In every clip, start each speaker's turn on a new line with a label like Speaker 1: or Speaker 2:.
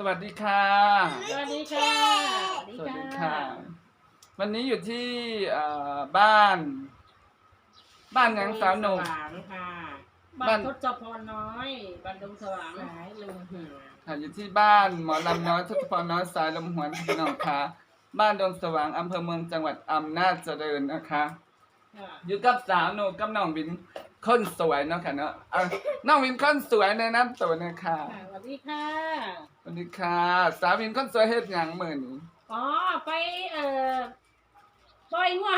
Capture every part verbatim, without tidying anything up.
Speaker 1: วัสดีค่ะ
Speaker 2: สวัสดีค่ะ
Speaker 1: สวัสดีค่ะวันนี้อยู่ที่บ้านบ้านยังสาวหนุ่ม
Speaker 2: ค่ะบ้านทศพรน้อยบ้านดงสว่างสายลมหัว
Speaker 1: ค่ะอยู่ที่บ้านหมอลำน้อยทศพรน้อยสายลมหวนพี่น้องค่ะบ้านดงสว่างอำเภอเมืองจังหวัดอำนาจเจริญนะคะอยู่กับสาวหนุ่มกับน้องวินคนสวยเนาะค่ะเนาะน้องวินคนสวยในน้ำตัวนะคะ
Speaker 2: สวัสดีค่ะ
Speaker 1: สวัสดีค่ะสาววินคนสวยเฮ็ดหยังมื้อนี้
Speaker 2: อ๋อไปเอ่อปล่อยงัว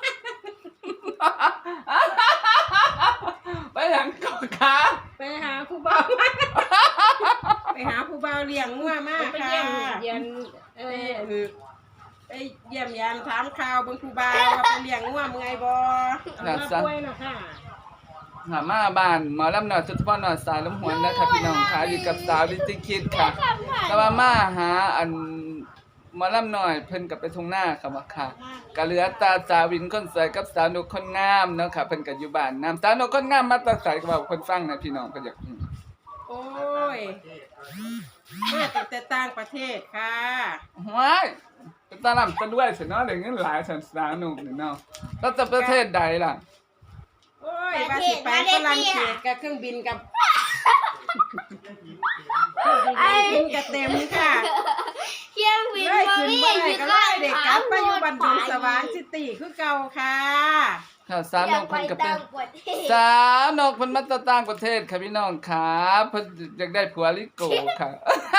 Speaker 1: ไปหยังก่อนคะ
Speaker 2: ไปหาผู้บ่าวไปหาผู้บ่าวเลี้ยงงัวมากค่ะไปเยี่ยมเยียนเออไปเยี่ยมยามถามข่าวเบิ่งผู้บ่าวว่าไปเลี้ยงงัวเมื่อยบ่น่าป่วยเนาะค่ะ
Speaker 1: หามาบ้านหมอลำหน่อยจุดพ่อหน่อยสายลมหวนนะคะพี่น้องค่ะอยู่กับสาวดิจิคิดค่ะแต่ว่ามาหาอันหมอลำหน่อยเพิ่นกับไปทุ่งหน้าค่ะว่าค่ะกะเหลือตาสาววินคนสวยกับสาวนุกคนงามเนาะค่ะเพิ่นก็อยู่บ้านนำสาวนุกคนงามมาแตะไสก็ว่าคนฟังนะพี่น้องก็อยาก
Speaker 2: โอ้ยมาจากแต่ต่างประเทศค่ะ
Speaker 1: ว้ายเป็นตาลำตะด้วยสิเนาะได้เงินหลายสันสาวนุกนี่เนาะแล้วจะประเทศใดล่ะ
Speaker 2: โอ้ยว่าสิไปฝรั่งเศสกับเครื่องบินกับเครื่องบินกับเต็มค่ะ
Speaker 3: เครื่องบิน
Speaker 2: มาวิ่งอยู่ก็เด็กกลับไปอยู่บ้านดงสว่างซิตี้คือเก่าค่ะ
Speaker 1: ค่ะสาวนกเพิ่นก็เป็นสาวนกเพิ่นมาจากต่างประเทศค่ะพี่น้องค่ะเพิ่นอยากได้ผัวลิโกค่ะ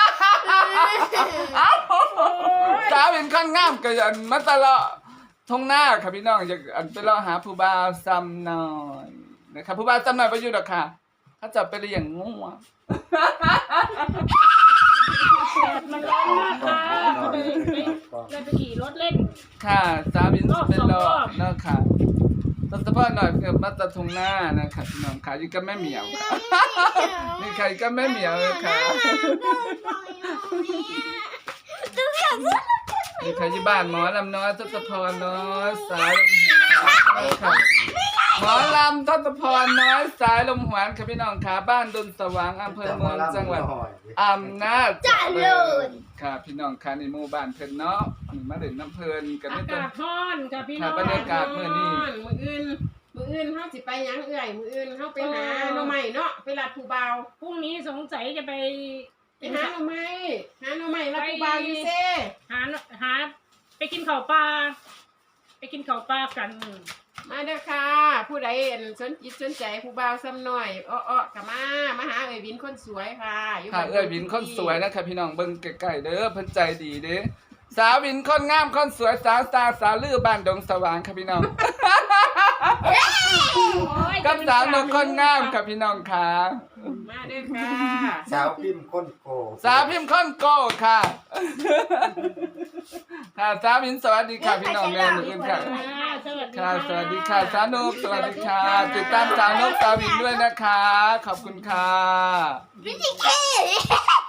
Speaker 1: สาวเป็นคนงามก็อันมาตลอดทงหน้าค่ะพี่น้องอยากอันไปรอหาผู้บ่าวซ้ำหน่อยนะครับผู้บ่าวซ้ำหน่อยบ่อยู่ดอกค่ะเขาจะไปเลี้ยงงูอ่ะ
Speaker 2: มันร้อนมากค่ะเลยไปขี่รถเล่น
Speaker 1: ค่ะสาวบินเป็นรอบเนาะค่ะตอนเฉพาะหน่อยเกิดมาตะทงหน้านะคะพี่น้องค่ะอยู่กับแม่เหมียวนี่ใครก็แม่เหมียวเลยค่ะมีใครที่บ้านหมอลำน้อยทศพรน้อยสายลมหวนค่ะหมอลำทศพรน้อยสายลมหวนค่ะพี่น้องค่ะบ้านดนสว่างอำเภอเมืองจังหวัดอำนาจเจริญค่ะพี่น้องค่ะในหมู่บ้านเพิ่นเนาะมาเล่นน้ำเพลินกัน
Speaker 2: อากาศร้อนค่ะพี่น้อง
Speaker 1: บรรยากาศมื้อนี้
Speaker 2: มื้ออื่นมื้ออื่นเฮาสิไปหยังเอื้อยมื้ออื่นเฮาไปหาหน่อไม้เนาะไปรัดผู้บ่าวพรุ่งนี้สงสัยจะไปไปหาหน่อไม้หาหน่อไม้รัดผู้บ่าวอยู่เซ่หาหาไปกินข้าวปลาไปกินข้าวปลากันมาเด้อค่ะผู้ใดสนจิตสนใจผู้บ่าวซ้ำหน่อยอ้อๆก็มามาหาเอ้ยวินคนสวยค่ะ
Speaker 1: ค่ะเอ้ยวินคนสวยนะคะพี่น้องเบิ่งใกล้ๆเด้อเพิ่นใจดีเด้สาววินคนงามคนสวยสาวตาสาวลือบ้านดงสว่างค่ะพี่น้องกับสาวนกคนงามค่ะพี่น้องค่ะ
Speaker 2: มาเด้อค่ะ
Speaker 4: สาวพิมพ์คนโก
Speaker 1: สาวพิมพ์คนโกค่ะค่ะสาววินสวัสดีค่ะพี่น้องแม่หนูอื่นค่ะค่ะสวัสดีค่ะสาวนกสวัสดีค่ะติดตามสาวนกสาววินด้วยนะคะขอบคุณค่ะ
Speaker 3: วิธีเค